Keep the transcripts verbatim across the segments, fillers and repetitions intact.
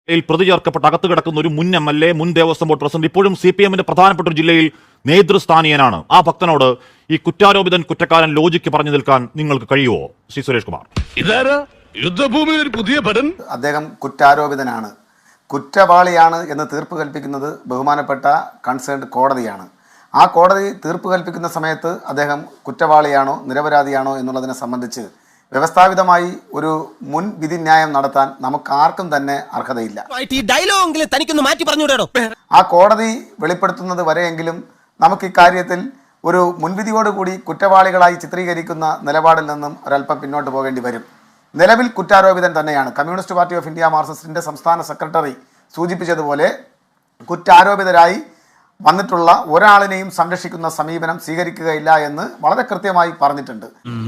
പ്രതി ചേർക്കപ്പെട്ട് അകത്ത് കിടക്കുന്ന ഒരു മുൻ എം എൽ എ മുൻ ദേവസ്വം ബോർഡ് പ്രസിഡന്റ് ഇപ്പോഴും സി പി എമ്മിന്റെ പ്രധാനപ്പെട്ട ഒരു ജില്ലയിൽ നേതൃസ്ഥാനീയനാണ്. ആ ഭക്തനോട് ഈ കുറ്റാരോപിതൻ കുറ്റക്കാരൻ ലോജിക്ക് പറഞ്ഞു നിൽക്കാൻ നിങ്ങൾക്ക് കഴിയുമോ ശ്രീ സുരേഷ് കുമാർ? യുദ്ധഭൂമി ഒരു പുതിയ പഠൻ. അദ്ദേഹം കുറ്റാരോപിതനാണ്, കുറ്റവാളിയാണ് എന്ന് തീർപ്പ് കൽപ്പിക്കുന്നത് ബഹുമാനപ്പെട്ട കൺസേൺഡ് കോടതിയാണ്. ആ കോടതി തീർപ്പ് കൽപ്പിക്കുന്ന സമയത്ത് അദ്ദേഹം കുറ്റവാളിയാണോ നിരപരാധിയാണോ എന്നുള്ളതിനെ സംബന്ധിച്ച് വ്യവസ്ഥാപിതമായി ഒരു മുൻ വിധിന്യായം നടത്താൻ നമുക്ക് ആർക്കും തന്നെ അർഹതയില്ല. ആ കോടതി വെളിപ്പെടുത്തുന്നത് വരെയെങ്കിലും നമുക്ക് ഇക്കാര്യത്തിൽ ഒരു മുൻവിധിയോടുകൂടി കുറ്റവാളികളായി ചിത്രീകരിക്കുന്ന നിലപാടിൽ നിന്നും ഒരല്പം പിന്നോട്ട് പോകേണ്ടി വരും. നിലവിൽ കുറ്റാരോപിതൻ തന്നെയാണ്. കമ്മ്യൂണിസ്റ്റ് പാർട്ടി ഓഫ് ഇന്ത്യ മാർക്സിസ്റ്റിന്റെ സംസ്ഥാന സെക്രട്ടറി സൂചിപ്പിച്ചതുപോലെ കുറ്റാരോപിതരായി വന്നിട്ടുള്ള ഒരാളിനെയും സംരക്ഷിക്കുന്ന സമീപനം സ്വീകരിക്കുകയില്ല എന്ന് വളരെ കൃത്യമായി പറഞ്ഞിട്ടുണ്ട്.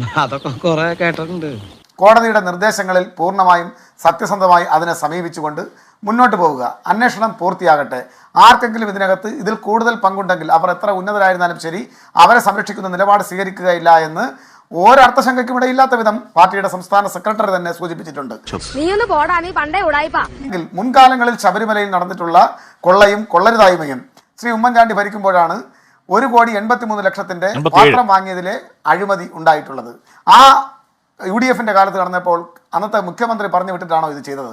കോടതിയുടെ നിർദ്ദേശങ്ങളിൽ പൂർണ്ണമായും സത്യസന്ധമായി അതിനെ സമീപിച്ചുകൊണ്ട് മുന്നോട്ട് പോവുക. അന്വേഷണം പൂർത്തിയാകട്ടെ. ആർക്കെങ്കിലും ഇതിനകത്ത് ഇതിൽ കൂടുതൽ പങ്കുണ്ടെങ്കിൽ അവർ എത്ര ഉന്നതരായിരുന്നാലും ശരി അവരെ സംരക്ഷിക്കുന്ന നിലപാട് സ്വീകരിക്കുകയില്ല എന്ന് ഒരർത്ഥശങ്കയ്ക്കും ഇടയില്ലാത്ത വിധം പാർട്ടിയുടെ സംസ്ഥാന സെക്രട്ടറി തന്നെ സൂചിപ്പിച്ചിട്ടുണ്ട്. മുൻകാലങ്ങളിൽ ശബരിമലയിൽ നടന്നിട്ടുള്ള കൊള്ളയും കൊള്ളരുതായ്മയും ശ്രീ ഉമ്മൻചാണ്ടി ഭരിക്കുമ്പോഴാണ് ഒരു കോടി എൺപത്തി മൂന്ന് ലക്ഷത്തിന്റെ പാത്രം വാങ്ങിയതിലെ അഴിമതി ഉണ്ടായിട്ടുള്ളത്. ആ യു ഡി എഫിന്റെ കാലത്ത് നടന്നപ്പോൾ അന്നത്തെ മുഖ്യമന്ത്രി പറഞ്ഞു വിട്ടിട്ടാണോ ഇത് ചെയ്തത്?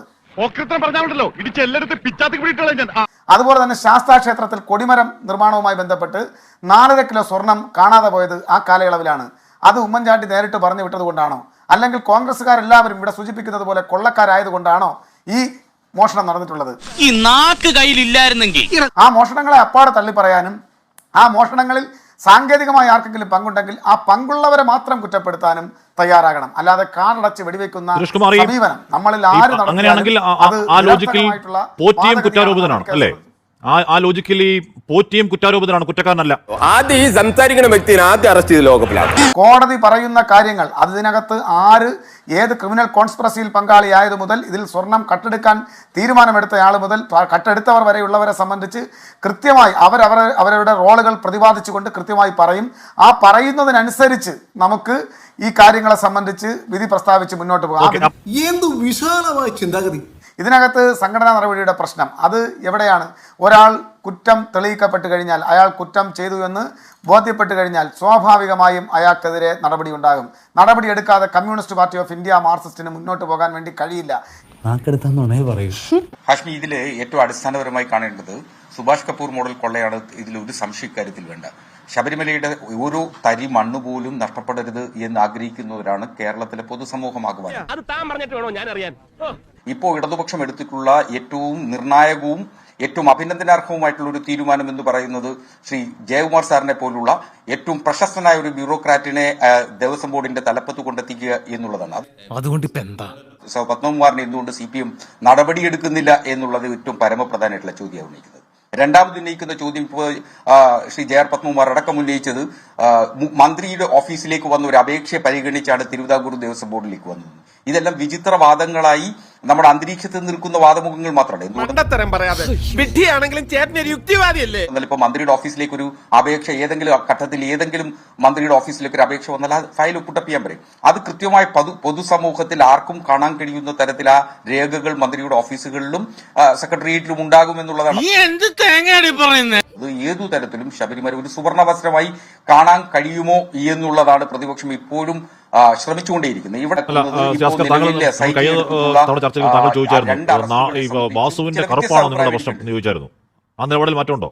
അതുപോലെ തന്നെ ശാസ്താ ക്ഷേത്രത്തിൽ കൊടിമരം നിർമ്മാണവുമായി ബന്ധപ്പെട്ട് നാലര കിലോ സ്വർണം കാണാതെ പോയത് ആ കാലയളവിലാണ്. അത് ഉമ്മൻചാണ്ടി നേരിട്ട് പറഞ്ഞു വിട്ടത് കൊണ്ടാണോ, അല്ലെങ്കിൽ കോൺഗ്രസ്സുകാരെല്ലാവരും ഇവിടെ സൂചിപ്പിക്കുന്നത് പോലെ കൊള്ളക്കാരായതുകൊണ്ടാണോ ഈ മോഷണം നടന്നിട്ടുള്ളത്? ഈ നാക്ക് കയ്യിലില്ലായിരുന്നെങ്കിൽ ആ മോഷണങ്ങളെ അപ്പാടെ തള്ളി പറയാനും ആ മോഷണങ്ങളിൽ സാങ്കേതികമായി ആർക്കെങ്കിലും പങ്കുണ്ടെങ്കിൽ ആ പങ്കുള്ളവരെ മാത്രം കുറ്റപ്പെടുത്താനും തയ്യാറാകണം. അല്ലാതെ കാടടച്ച് വെടിവെക്കുന്ന സമീപനം നമ്മളിൽ ആര് അങ്ങനെയാണെങ്കിൽ ആ ലോജിക്കിൽ പോറ്റിയും കുറ്റാരോപിതനാണ് അല്ലേ? ആ ലോജിക്കിൽ ഈ പോറ്റിയും കുറ്റാരോപിതനാണ്, കുറ്റക്കാരനല്ല. ആദ്യം ഈ സംസാരിക്കുന്ന വ്യക്തിനെ ആദ്യം അറസ്റ്റ് ചെയ്ത് ലോകപ്പിലാണ്. കോടതി പറയുന്ന കാര്യങ്ങൾ അതിനകത്ത് ആര് ഏത് ക്രിമിനൽ കോൺസ്പിറസിയിൽ പങ്കാളിയായത് മുതൽ ഇതിൽ സ്വർണം കട്ടെടുക്കാൻ തീരുമാനമെടുത്തയാൾ മുതൽ കട്ടെടുത്തവർ വരെയുള്ളവരെ സംബന്ധിച്ച് കൃത്യമായി അവരവർ അവരുടെ റോളുകൾ പ്രതിപാദിച്ചുകൊണ്ട് കൃത്യമായി പറയും. ആ പറയുന്നതിനനുസരിച്ച് നമുക്ക് ഈ കാര്യങ്ങളെ സംബന്ധിച്ച് വിധി പ്രസ്താവിച്ച് മുന്നോട്ട് പോകാം. എന്ത് വിശാലമായ ചിന്താഗതി! ഇതിനകത്ത് സംഘടനാ നടപടിയുടെ പ്രശ്നം അത് എവിടെയാണ്? ഒരാൾ കുറ്റം തെളിയിക്കപ്പെട്ട് കഴിഞ്ഞാൽ, അയാൾ കുറ്റം ചെയ്തു എന്ന് ബോധ്യപ്പെട്ട് കഴിഞ്ഞാൽ സ്വാഭാവികമായും അയാൾക്കെതിരെ നടപടി ഉണ്ടാകും. നടപടി എടുക്കാതെ കമ്മ്യൂണിസ്റ്റ് പാർട്ടി ഓഫ് ഇന്ത്യ മാർക്സിസ്റ്റിന് മുന്നോട്ട് പോകാൻ വേണ്ടി കഴിയില്ല. ഹാഷ്മി, ഇതിൽ ഏറ്റവും അടിസ്ഥാനപരമായി കാണേണ്ടത് സുഭാഷ് കപൂർ മോഡൽ കൊള്ളയാണ്. ഇതിൽ ഒരു സംശയക്കാര്യത്തിൽ വേണ്ട. ശബരിമലയുടെ ഓരോ തരി മണ്ണ് പോലും നഷ്ടപ്പെടരുത് എന്ന് ആഗ്രഹിക്കുന്നവരാണ് കേരളത്തിലെ പൊതുസമൂഹമാകുവാൻ. ഇപ്പോൾ ഇടതുപക്ഷം എടുത്തിട്ടുള്ള ഏറ്റവും നിർണായകവും ഏറ്റവും അഭിനന്ദനാർഹവുമായിട്ടുള്ള ഒരു തീരുമാനം എന്ന് പറയുന്നത് ശ്രീ ജയകുമാർ സാറിനെ പോലുള്ള ഏറ്റവും പ്രശസ്തനായ ഒരു ബ്യൂറോക്രാറ്റിനെ ദേവസ്വം ബോർഡിന്റെ തലപ്പത്ത് കൊണ്ടെത്തിക്കുക എന്നുള്ളതാണ്. അതുകൊണ്ട് പത്മകുമാറിനെ എന്തുകൊണ്ട് സി പി എം നടപടിയെടുക്കുന്നില്ല എന്നുള്ളത് ഏറ്റവും പരമപ്രധാനമായിട്ടുള്ള ചോദ്യമാണ് ഉന്നയിക്കുന്നത്. രണ്ടാമത് ഉന്നയിക്കുന്ന ചോദ്യം ഇപ്പോൾ ശ്രീ ജെ ആർ പത്മകുമാർ അടക്കം ഉന്നയിച്ചത് മന്ത്രിയുടെ ഓഫീസിലേക്ക് വന്ന ഒരു അപേക്ഷയെ പരിഗണിച്ചാണ് തിരുവിതാംകൂർ ദേവസ്വം ബോർഡിലേക്ക് വന്നത്. ഇതെല്ലാം വിചിത്ര വാദങ്ങളായി നമ്മുടെ അന്തരീക്ഷത്തിൽ നിൽക്കുന്ന വാദമുഖങ്ങൾ മാത്രമല്ല. എന്നാൽ ഇപ്പൊ മന്ത്രിയുടെ ഓഫീസിലേക്ക് ഒരു അപേക്ഷ ഏതെങ്കിലും ഘട്ടത്തിൽ ഏതെങ്കിലും മന്ത്രിയുടെ ഓഫീസിലേക്ക് ഒരു അപേക്ഷ വന്നാൽ ആ ഫയൽ ഒപ്പിട്ടപ്പ് ചെയ്യാൻ പറയും. അത് കൃത്യമായി പൊതുസമൂഹത്തിൽ ആർക്കും കാണാൻ കഴിയുന്ന തരത്തിൽ ആ രേഖകൾ മന്ത്രിയുടെ ഓഫീസുകളിലും സെക്രട്ടേറിയറ്റിലും ഉണ്ടാകുമെന്നുള്ളതാണ്. അത് ഏതു തരത്തിലും ശബരിമല ഒരു സുവർണവസ്ത്രമായി കാണാൻ കഴിയുമോ എന്നുള്ളതാണ് പ്രതിപക്ഷം ഇപ്പോഴും ശ്രമിച്ചുകൊണ്ടേയിരിക്കുന്നത്. ഇവിടെ വാസുവിന്റെ കറുപ്പാണോ നിങ്ങളുടെ പ്രശ്നം എന്ന് ചോദിച്ചായിരുന്നു. ആ നിലപാടിൽ മാറ്റമുണ്ടോ?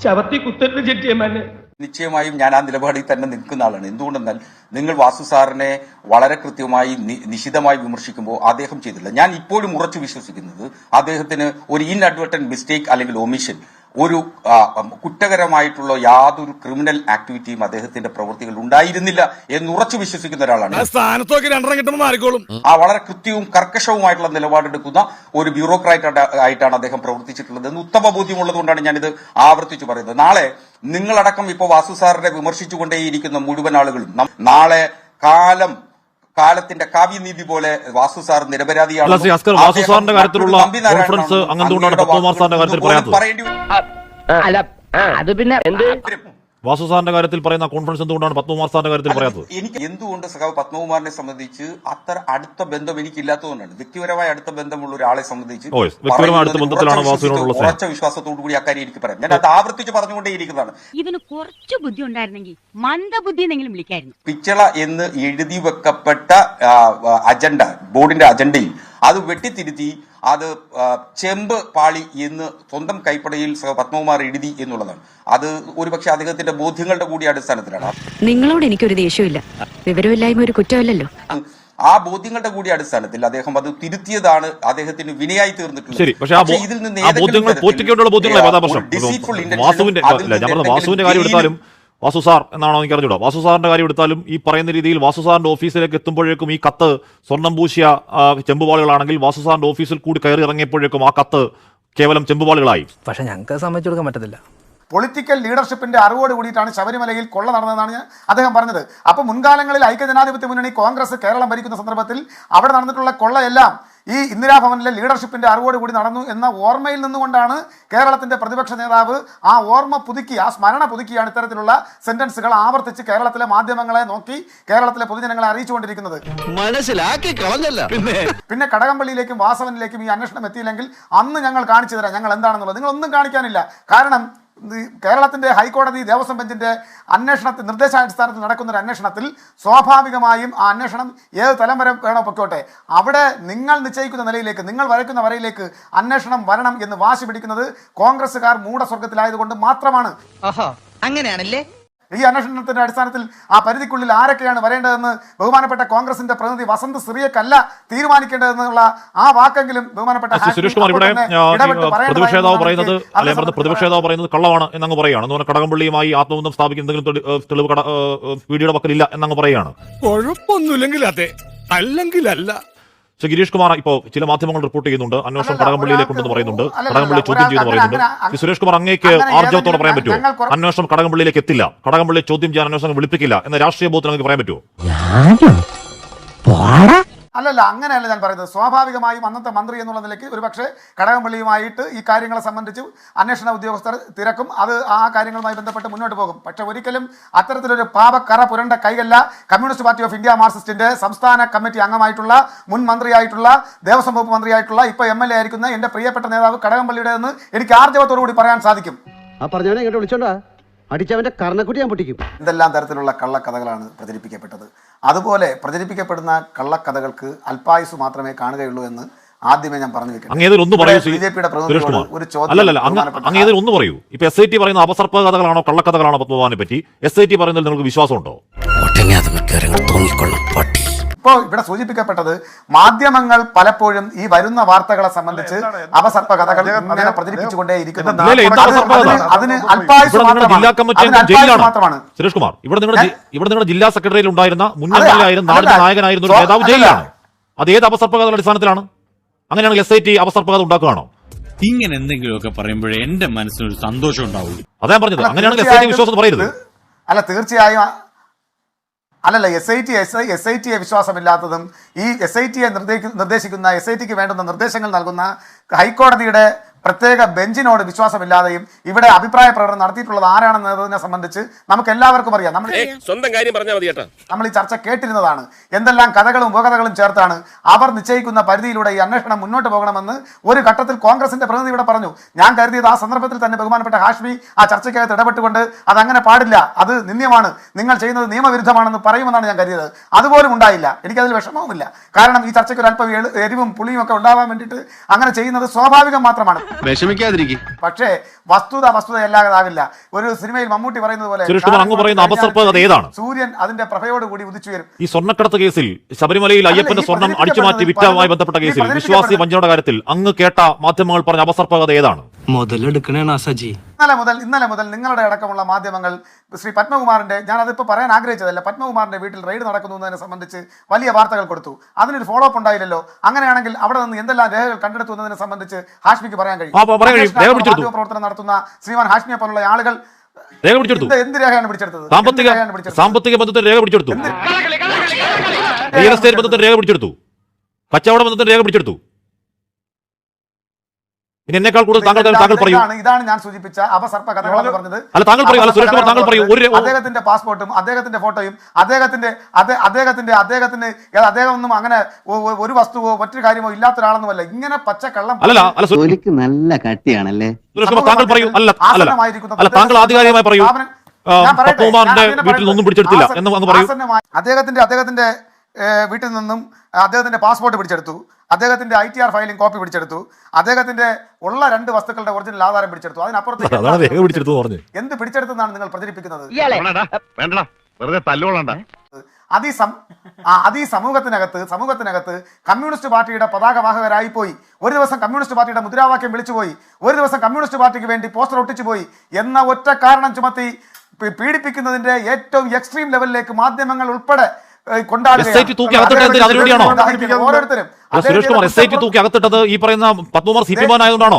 നിശ്ചയമായും ഞാൻ ആ നിലപാടിൽ തന്നെ നിൽക്കുന്ന ആളാണ്. എന്തുകൊണ്ടെന്നാൽ നിങ്ങൾ വാസു സാറിനെ വളരെ കൃത്യമായി നിശിതമായി വിമർശിക്കുമ്പോൾ അദ്ദേഹം ചെയ്തില്ല. ഞാൻ ഇപ്പോഴും ഉറച്ചു വിശ്വസിക്കുന്നത് അദ്ദേഹത്തിന് ഒരു ഇൻഅഡ്വർട്ടന്റ് മിസ്റ്റേക്ക് അല്ലെങ്കിൽ ഒമിഷൻ, ഒരു കുറ്റകരമായിട്ടുള്ള യാതൊരു ക്രിമിനൽ ആക്ടിവിറ്റിയും അദ്ദേഹത്തിന്റെ പ്രവൃത്തികൾ ഉണ്ടായിരുന്നില്ല എന്ന് ഉറച്ചു വിശ്വസിക്കുന്ന ഒരാളാണ്. ആ വളരെ കൃത്യവും കർക്കശവുമായിട്ടുള്ള നിലപാടെടുക്കുന്ന ഒരു ബ്യൂറോക്രാറ്റ് ആയിട്ടാണ് അദ്ദേഹം പ്രവർത്തിച്ചിട്ടുള്ളത് എന്ന് ഉത്തമ ബോധ്യമുള്ളത് കൊണ്ടാണ് ഞാനിത് ആവർത്തിച്ചു പറയുന്നത്. നാളെ നിങ്ങളടക്കം ഇപ്പോൾ വാസു സാറിനെ വിമർശിച്ചുകൊണ്ടേയിരിക്കുന്ന മുഴുവൻ ആളുകളും നാളെ കാലം കാലത്തിന്റെ കാവ്യനീതി പോലെ വാസു സാർ നിരപരാധിയാണ് വാസു സാറിന്റെ കാര്യത്തിൽ പറയുന്ന കോൺഫിഡൻസ് എന്തുകൊണ്ടാണ് പത്മകുമാർ സാറിന്റെ കാര്യത്തിൽ പറയാത്തത്? എനിക്ക് എന്തുകൊണ്ട് സഖാവ് പത്മകുമാറിനെ സംബന്ധിച്ച് അത്ര അടുത്ത ബന്ധം എനിക്ക് ഇല്ലാത്തതുകൊണ്ടാണ്. വ്യക്തിപരമായ അടുത്ത ബന്ധമുള്ള ഒരാളെ സംബന്ധിച്ച് വ്യക്തിപരമായ അടുത്ത ബന്ധത്തിലാണ് വാസുവിനോടുള്ള ഉറച്ച വിശ്വാസത്തോടു കൂടി അക്കാര്യം എനിക്ക് പറയാം. ഞാൻ അത് ആവർത്തിച്ച് പറഞ്ഞുകൊണ്ടേയിരിക്കുന്നതാണ്. ഇവന് കുറച്ച് ബുദ്ധി ഉണ്ടായിരുന്നെങ്കിൽ മന്ദബുദ്ധി എന്നെങ്കിലും വിളിക്കായിരുന്നു. പിച്ചള എന്ന് എഴുതി വെക്കപ്പെട്ട അജണ്ട, ബോർഡിന്റെ അജണ്ടയിൽ അത് വെട്ടിത്തിരുത്തി അത് ചെമ്പ് പാളി എന്ന് സ്വന്തം കൈപ്പടയിൽ പത്മകുമാർ എഴുതി എന്നുള്ളതാണ്. അത് ഒരുപക്ഷെ അദ്ദേഹത്തിന്റെ ബോധ്യങ്ങളുടെ കൂടി അടിസ്ഥാനത്തിലാണ്. നിങ്ങളോട് എനിക്കൊരു ദേഷ്യമില്ല, വിവരമില്ലായ്മ ഒരു കുറ്റമല്ലല്ലോ. ആ ബോധ്യങ്ങളുടെ കൂടി അടിസ്ഥാനത്തിൽ അദ്ദേഹം അത് തിരുത്തിയതാണ് അദ്ദേഹത്തിന് വിനയായി തീർന്നിട്ടുള്ളത്. ശരി, പക്ഷേ ഇതിൽ നിന്ന് വാസുവിന്റെ വാസുവിന്റെ കാര്യം എടുത്താലും വാസു സാർ എന്നാണോ എനിക്ക് അറിഞ്ഞൂടാ. വാസു സാറിന്റെ കാര്യം എടുത്താലും ഈ പറയുന്ന രീതിയിൽ വാസു സാറിന്റെ ഓഫീസിലേക്ക് എത്തുമ്പോഴേക്കും ഈ കത്ത് സ്വർണം പൂശിയ ചെമ്പുപാളികളാണെങ്കിൽ വാസു സാറിന്റെ ഓഫീസിൽ കൂടി കയറി ഇറങ്ങിയപ്പോഴേക്കും ആ കത്ത് കേവലം ചെമ്പുപാളികളായി. പക്ഷെ ഞങ്ങൾക്ക് സമ്മതിച്ചു കൊടുക്കാൻ പറ്റത്തില്ല. പൊളിറ്റിക്കൽ ലീഡർഷിപ്പിന്റെ അറിവോട് കൂടിയിട്ടാണ് ശബരിമലയിൽ കൊള്ള നടന്നതെന്നാണ് അദ്ദേഹം പറഞ്ഞത്. അപ്പോൾ മുൻകാലങ്ങളിൽ ഐക്യജനാധിപത്യ മുന്നണി കോൺഗ്രസ് കേരളം ഭരിക്കുന്ന സന്ദർഭത്തിൽ അവിടെ നടന്നിട്ടുള്ള കൊള്ളയെല്ലാം ഈ ഇന്ദിരാഭവനിലെ ലീഡർഷിപ്പിന്റെ അറിവോട് കൂടി നടന്നു എന്ന ഓർമ്മയിൽ നിന്നുകൊണ്ടാണ് കേരളത്തിന്റെ പ്രതിപക്ഷ നേതാവ് ആ ഓർമ്മ പുതുക്കി, ആ സ്മരണ പുതുക്കിയാണ് ഇത്തരത്തിലുള്ള സെന്റൻസുകൾ ആവർത്തിച്ച് കേരളത്തിലെ മാധ്യമങ്ങളെ നോക്കി കേരളത്തിലെ പൊതുജനങ്ങളെ അറിയിച്ചുകൊണ്ടിരിക്കുന്നത്. മനസ്സിലാക്കി കളഞ്ഞല്ല. പിന്നെ കടകംപള്ളിയിലേക്കും വാസവനിലേക്കും ഈ അന്വേഷണം എത്തിയില്ലെങ്കിൽ അന്ന് ഞങ്ങൾ കാണിച്ചു തരാം ഞങ്ങൾ എന്താണെന്നുള്ളത്. നിങ്ങളൊന്നും കാണിക്കാനില്ല. കാരണം കേരളത്തിന്റെ ഹൈക്കോടതി ദേവസ്വം ബെഞ്ചിന്റെ അന്വേഷണത്തിൽ നിർദ്ദേശാടിസ്ഥാനത്തിൽ നടക്കുന്ന ഒരു അന്വേഷണത്തിൽ സ്വാഭാവികമായും ആ അന്വേഷണം ഏത് തലം വരെ വേണോ പൊക്കോട്ടെ, അവിടെ നിങ്ങൾ നിശ്ചയിക്കുന്ന നിലയിലേക്ക്, നിങ്ങൾ വരയ്ക്കുന്ന വരയിലേക്ക് അന്വേഷണം വരണം എന്ന് വാശി പിടിക്കുന്നത് കോൺഗ്രസ്സുകാർ മൂഢസ്വർഗത്തിലായതുകൊണ്ട് മാത്രമാണ്. അങ്ങനെയാണല്ലേ? ഈ അന്വേഷണത്തിന്റെ അടിസ്ഥാനത്തിൽ ആ പരിധിക്കുള്ളിൽ ആരൊക്കെയാണ് വരേണ്ടതെന്ന് ബഹുമാനപ്പെട്ട കോൺഗ്രസിന്റെ പ്രതിനിധി വസന്ത് സിറിയക്കല്ല തീരുമാനിക്കേണ്ടതെന്നുള്ള ആ വാക്കെങ്കിലും ബഹുമാനപ്പെട്ട സുരേഷ് കുമാർ ഇവിടെ പ്രതിപക്ഷേതാവ് പറയുന്നത് അല്ലെ പ്രതിപക്ഷേതാവ് പറയുന്നത് കള്ളമാണ് എന്നങ്ങ് പറയുകയാണ്. എന്ന് പറഞ്ഞാൽ കടകംപള്ളിയുമായി ആത്മബന്ധം സ്ഥാപിക്കുന്ന എന്തെങ്കിലും തെളിവ് കട പിടിയുടെ പക്കലില്ല എന്നങ്ങ് പറയുകയാണ്. കുഴപ്പമൊന്നുമില്ലെങ്കിൽ അതെ, അല്ലെങ്കിൽ അല്ല. പക്ഷേ ഗിരീഷ് കുമാർ ഇപ്പോൾ ചില മാധ്യമങ്ങൾ റിപ്പോർട്ട് ചെയ്യുന്നുണ്ട് അന്വേഷണം കടകംപള്ളിയിലേക്ക് ഉണ്ടെന്ന് പറയുന്നുണ്ട്, കടകംപള്ളി ചോദ്യം ചെയ്യുന്നു പറയുന്നുണ്ട്. സുരേഷ് കുമാർ അങ്ങേക്ക് ആർജവത്തോടെ പറയാൻ പറ്റുമോ അന്വേഷണം കടകംപള്ളിയിലേക്ക് എത്തില്ല, കടകംപള്ളി ചോദ്യം ചെയ്യാൻ അന്വേഷണം വിളിപ്പിക്കില്ല എന്ന രാഷ്ട്രീയ ബോധത്തിൽ നിങ്ങൾക്ക് പറയാൻ പറ്റുമോ? അല്ലല്ല, അങ്ങനെയല്ല ഞാൻ പറയുന്നത്. സ്വാഭാവികമായും അന്നത്തെ മന്ത്രി എന്നുള്ള നിലയ്ക്ക് ഒരുപക്ഷെ കടകംപള്ളിയുമായിട്ട് ഈ കാര്യങ്ങളെ സംബന്ധിച്ച് അന്വേഷണ ഉദ്യോഗസ്ഥർ തിരക്കും, അത് ആ കാര്യങ്ങളുമായി ബന്ധപ്പെട്ട് മുന്നോട്ട് പോകും. പക്ഷെ ഒരിക്കലും അത്തരത്തിലൊരു പാപക്കറ പുരണ്ട കൈകല്ല കമ്മ്യൂണിസ്റ്റ് പാർട്ടി ഓഫ് ഇന്ത്യ മാർക്സിസ്റ്റിന്റെ സംസ്ഥാന കമ്മിറ്റി അംഗമായിട്ടുള്ള മുൻ മന്ത്രിയായിട്ടുള്ള ദേവസ്വം വകുപ്പ് മന്ത്രിയായിട്ടുള്ള ഇപ്പൊ എം എൽ എ ആയിരിക്കുന്ന എന്റെ പ്രിയപ്പെട്ട നേതാവ് കടകംപള്ളിയുടെ എന്ന് എനിക്ക് ആർജവത്തോടു കൂടി പറയാൻ സാധിക്കും. അടിച്ചവന്റെ കർണക്കുട്ടി ഞാൻ പൊട്ടിക്കും. എന്തെല്ലാം തരത്തിലുള്ള കള്ളക്കഥകളാണ് പ്രചരിപ്പിക്കപ്പെട്ടത്. അതുപോലെ പ്രചരിപ്പിക്കപ്പെടുന്ന കള്ളക്കഥകൾക്ക് അല്പായുസ് മാത്രമേ കാണുകയുള്ളൂ എന്ന് ആദ്യമേ ഞാൻ പറഞ്ഞു വെക്കാം. ബി ജെ പിയുടെ പ്രതിനിധിയോട് ഒരു ചോദ്യം ഒന്ന് പറയൂ. ഇപ്പൊ എസ് ഐ ടി പറയുന്ന അപസർപ്പ കഥകളാണോ കള്ളക്കഥകളാണോ പത്മകുമാറിനെ പറ്റി എസ് ഐ ടി പറയുന്നതിൽ നിങ്ങൾക്ക് വിശ്വാസമുണ്ടോ? ഇപ്പോൾ ഇവിടെ സൂചിപ്പിക്കപ്പെട്ടത് മാധ്യമങ്ങൾ പലപ്പോഴും ഈ വരുന്ന വാർത്തകളെ സംബന്ധിച്ച് അപസർപ്പ കഥകൾ ഇങ്ങനെ പ്രചരിപ്പിച്ചുകൊണ്ടേയിരിക്കുന്നു. അതിന് മാത്രമാണ്. സുരേഷ് കുമാർ, ഇവിടെ നിങ്ങളുടെ ഇവിടെ നിങ്ങളുടെ ജില്ലാ സെക്രട്ടറിയിൽ ഉണ്ടായിരുന്ന മുൻ എം എൽ എ ആയിരുന്ന നാടിന്റെ നായകനായിരുന്ന ഒരു നേതാവ് ജയിലിലാണ്. അത് ഏത് അപസർപ്പ കഥയുടെ അടിസ്ഥാനത്തിലാണ്? അങ്ങനെയാണെങ്കിൽ എസ് ഐ ടി അപസർപ്പ കഥ ഉണ്ടാക്കുകയാണോ? ഇങ്ങനെ എന്തെങ്കിലുമൊക്കെ പറയുമ്പോഴേ എന്റെ മനസ്സിനൊരു സന്തോഷം ഉണ്ടാവുള്ളൂ. അതാ പറഞ്ഞത്. അങ്ങനെയാണെങ്കിൽ എസ് ഐ ടി വിശ്വാസം പറയരുത്. അല്ല, തീർച്ചയായും അല്ലല്ല. S I T S I S I ടിയെ വിശ്വാസമില്ലാത്തതും ഈ എസ് ഐ ടിയെ നിർദ്ദേശിക്കുന്ന എസ് ഐ ടിക്ക് വേണ്ടുന്ന നിർദ്ദേശങ്ങൾ നൽകുന്ന ഹൈക്കോടതിയുടെ പ്രത്യേക ബെഞ്ചിനോട് വിശ്വാസമില്ലാതെയും ഇവിടെ അഭിപ്രായ പ്രകടനം നടത്തിയിട്ടുള്ളത് ആരാണെന്നതിനെ സംബന്ധിച്ച് നമുക്ക് എല്ലാവർക്കും അറിയാം. നമ്മൾ സ്വന്തം കാര്യം പറഞ്ഞാൽ മതി കേട്ടോ. നമ്മൾ ഈ ചർച്ച കേട്ടിരുന്നതാണ്. എന്തെല്ലാം കഥകളും ഉപകഥകളും ചേർത്താണ് അവർ നിശ്ചയിക്കുന്ന പരിധിയിലൂടെ ഈ അന്വേഷണം മുന്നോട്ട് പോകണമെന്ന് ഒരു ഘട്ടത്തിൽ കോൺഗ്രസിന്റെ പ്രതിനിധി ഇവിടെ പറഞ്ഞു. ഞാൻ കരുതിയത് ആ സന്ദർഭത്തിൽ തന്നെ ബഹുമാനപ്പെട്ട ഹാഷ്മി ആ ചർച്ചയ്ക്കകത്ത് ഇടപെട്ടുകൊണ്ട് അതങ്ങനെ പാടില്ല, അത് നിന്ദ്യമാണ്, നിങ്ങൾ ചെയ്യുന്നത് നിയമവിരുദ്ധമാണെന്ന് പറയുമെന്നാണ് ഞാൻ കരുതിയത്. അതുപോലും ഉണ്ടായില്ല. എനിക്കതിൽ വിഷമവുമില്ല. കാരണം ഈ ചർച്ചയ്ക്ക് ഒരു അല്പം എരിവും പുളിയും ഒക്കെ ഉണ്ടാവാൻ വേണ്ടിയിട്ട് അങ്ങനെ ചെയ്യുന്നത് സ്വാഭാവികം മാത്രമാണ്. വിഷമിക്കാതിരിക്കും. പക്ഷേ വസ്തുത വസ്തുതയല്ലാതാവില്ല. ഒരു സിനിമയിൽ മമ്മൂട്ടി പറയുന്നത് പോലെ സൂര്യൻ അതിന്റെ പ്രഭയോട് കൂടി ഉദിച്ചുയരും. ഈ സ്വർണ്ണക്കടത്ത് കേസിൽ ശബരിമലയിൽ അയ്യപ്പന്റെ സ്വർണം അടിച്ചുമാറ്റി വിറ്റവുമായി ബന്ധപ്പെട്ട കേസിൽ വിശ്വാസി വഞ്ചനയുടെ കാര്യത്തിൽ അങ്ങ് കേട്ട മാധ്യമങ്ങൾ പറഞ്ഞ അപസർപ്പകത ഏതാണ്? മുതലെടുക്കണേണ് സജി. ഇന്നലെ മുതൽ ഇന്നലെ മുതൽ നിങ്ങളുടെ അടക്കമുള്ള മാധ്യമങ്ങൾ ശ്രീ പത്മകുമാറിന്റെ, ഞാൻ അതിപ്പോൾ പറയാൻ ആഗ്രഹിച്ചതല്ല, പത്മകുമാറിന്റെ വീട്ടിൽ റെയ്ഡ് നടക്കുന്നു എന്നതിനെ സംബന്ധിച്ച് വലിയ വാർത്തകൾ കൊടുത്തു. അതിനൊരു ഫോളോ അപ്പ് ഉണ്ടായില്ലല്ലോ. അങ്ങനെയാണെങ്കിൽ അവിടെ നിന്ന് എന്തെല്ലാം രേഖകൾ കണ്ടെടുത്തു എന്നതിനെ സംബന്ധിച്ച് ഹാഷ്മിക്ക് പറയാൻ കഴിയും. പ്രവർത്തനം നടത്തുന്ന ശ്രീമാൻ ഹാഷ്മിയെ പോലുള്ള ആളുകൾ എന്ത് രേഖയാണ് പിടിച്ചെടുത്തത്? സാമ്പത്തിക ബന്ധത്തിൽ രേഖ പിടിച്ചെടുത്തു, റിയൽ എസ്റ്റേറ്റ് ബന്ധത്തിൽ രേഖ പിടിച്ചെടുത്തു, കച്ചവട ബന്ധത്തിൽ രേഖ പിടിച്ചെടുത്തു. ഇനി എന്നേക്കാൾ കൂടുതൽ താങ്കൾ താങ്കൾ പറയൂ. ഇതാണ് ഇതാണ് ഞാൻ സൂചിപ്പിച്ച അപസർപ്പ കഥകളെന്ന് പറഞ്ഞത്. അല്ല താങ്കൾ പറയൂ. അല്ല സുരേഷ് കുമാർ താങ്കൾ പറയൂ. ഒരു അദ്ദേഹത്തിന്റെ പാസ്പോർട്ടും അദ്ദേഹത്തിന്റെ ഫോട്ടോയും അദ്ദേഹത്തിന്റെ അദ്ദേഹത്തിന്റെ അദ്ദേഹത്തിന് അദ്ദേഹം ഒന്നും അങ്ങനെ ഒരു വസ്തുവോ മറ്റൊരു കാര്യമോ ഇല്ലാത്ത ഒരാളൊന്നുമല്ല. ഇങ്ങനെ പച്ചക്കള്ളം അല്ലല്ല അല്ല തൊലിക്ക് നല്ല കട്ടിയാണല്ലേ. സുരേഷ് കുമാർ താങ്കൾ പറയൂ. അല്ല അല്ല അല്ല താങ്കൾ ആധികാരികമായി പറയൂ. പത്മകുമാറിന്റെ വീട്ടിൽ നിന്നും പിടിച്ചെടുത്തില്ല എന്ന് എന്ന് പറയൂ. അദ്ദേഹത്തിന്റെ അദ്ദേഹത്തിന്റെ വീട്ടിൽ നിന്നും അദ്ദേഹത്തിന്റെ പാസ്പോർട്ട് പിടിച്ചെടുത്തു, അദ്ദേഹത്തിന്റെ I T R filing copy പിടിച്ചെടുത്തു, അദ്ദേഹത്തിന്റെ ഉള്ള രണ്ട് വസ്തുക്കളുടെ ഒറിജിനൽ ആധാരം പിടിച്ചെടുത്തു. അതിനപ്പുറത്ത് എന്ത് പിടിച്ചെടുത്തെന്നാണ് നിങ്ങൾ പ്രചരിപ്പിക്കുന്നത്? വെറുതെ തല്ലുകൊള്ളണ്ട. അത് ഈ അത് ഈ സമൂഹത്തിനകത്ത് സമൂഹത്തിനകത്ത് കമ്മ്യൂണിസ്റ്റ് പാർട്ടിയുടെ പതാകവാഹകരായി പോയി, ഒരു ദിവസം കമ്മ്യൂണിസ്റ്റ് പാർട്ടിയുടെ മുദ്രാവാക്യം വിളിച്ചുപോയി, ഒരു ദിവസം കമ്മ്യൂണിസ്റ്റ് പാർട്ടിക്ക് വേണ്ടി പോസ്റ്റർ ഒട്ടിച്ചു പോയി എന്ന ഒറ്റ കാരണം ചുമത്തി പീഡിപ്പിക്കുന്നതിന്റെ ഏറ്റവും എക്സ്ട്രീം ലെവലിലേക്ക് മാധ്യമങ്ങൾ ഉൾപ്പെടെ ഓരോരുത്തരും Suresh Kumar S I T തൂക്കി അകത്തിട്ടത് ഈ പറയുന്ന പത്മകുമാർ സി പി എം ആയതുകൊണ്ടാണോ?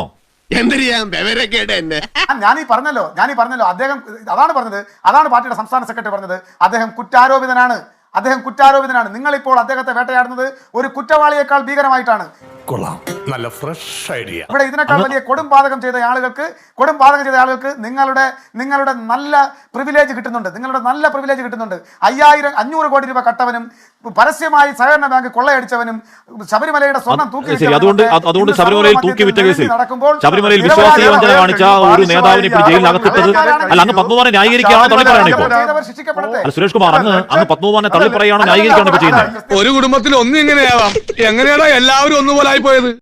ഞാനീ പറഞ്ഞല്ലോ ഞാനീ പറഞ്ഞല്ലോ അദ്ദേഹം അതാണ് പറഞ്ഞത്, അതാണ് പാർട്ടിയുടെ സംസ്ഥാന സെക്രട്ടറി പറഞ്ഞത്. അദ്ദേഹം കുറ്റാരോപിതനാണ്, അദ്ദേഹം കുറ്റാരോപിതനാണ്. നിങ്ങളിപ്പോൾ അദ്ദേഹത്തെ വേട്ടയാടുന്നത് ഒരു കുറ്റവാളിയേക്കാൾ ഭീകരമായിട്ടാണ്. കൊള്ളാം, നല്ല ഫ്രഷ് ഐഡിയ. ഇവിടെ ഇതിനേക്കാൾ വലിയ കൊടും പാതകം ചെയ്ത ആളുകൾക്ക് കൊടും പാതകം ചെയ്ത ആളുകൾക്ക് നിങ്ങളുടെ നിങ്ങളുടെ നല്ല പ്രിവിലേജ് കിട്ടുന്നുണ്ട്, നിങ്ങളുടെ നല്ല പ്രിവിലേജ് കിട്ടുന്നുണ്ട്. അയ്യായിരം അഞ്ഞൂറ് കോടി രൂപ കട്ടവനും പരസ്യമായി സഹകരണ ബാങ്ക് കൊള്ളയടിച്ചവനും ശബരിമലയുടെ സ്വർണം തൂക്കി അതുകൊണ്ട് അതുകൊണ്ട് ശബരിമലയിൽ തൂക്കി വിറ്റ കേസിൽ ശബരിമലയിൽ വിശ്വാസി വഞ്ചന കാണിച്ച ഒരു നേതാവിനെ ഇപ്പോൾ ജയിലിൽ അകത്തിട്ടത് അല്ല അങ്ങ് പത്മകുമാറിനെ ന്യായീകരിക്കുകയാണോ തള്ളി പറയണോ ഇപ്പോൾ? അല്ല സുരേഷ് കുമാർ അങ്ങ് അങ്ങ് പത്മകുമാറിനെ തള്ളി പറയുകയാണോ ന്യായീകരിക്കുകയാണോ ഇപ്പോൾ ചെയ്യുന്നത്? ഒരു കുടുംബത്തിൽ ഒന്നും ഇങ്ങനെയാവാം. എങ്ങനെയാണോ എല്ലാവരും ഒന്നുപോലെ ആയി പോയത്?